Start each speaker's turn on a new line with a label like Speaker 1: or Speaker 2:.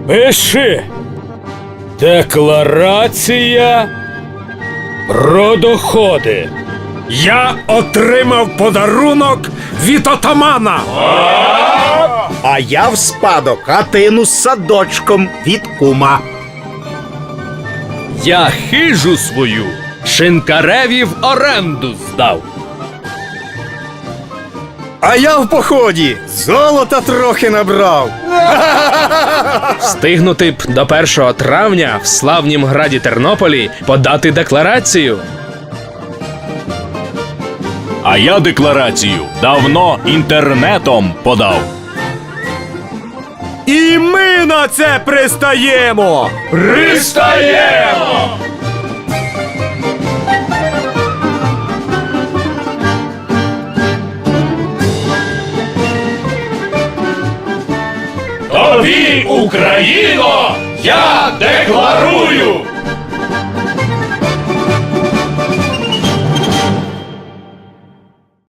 Speaker 1: Пиши. Декларація про доходи.
Speaker 2: Я отримав подарунок від отамана.
Speaker 3: А я в спадок хатину з садочком від кума.
Speaker 1: Я хижу свою шинкареві в оренду здав.
Speaker 3: А я в поході золота трохи набрав.
Speaker 4: Встигнути б до 1 травня в славнім граді Тернополі подати декларацію.
Speaker 5: А я декларацію давно інтернетом подав.
Speaker 2: І ми на це пристаємо!
Speaker 1: Пристаємо! Тобі, Україно, я декларую!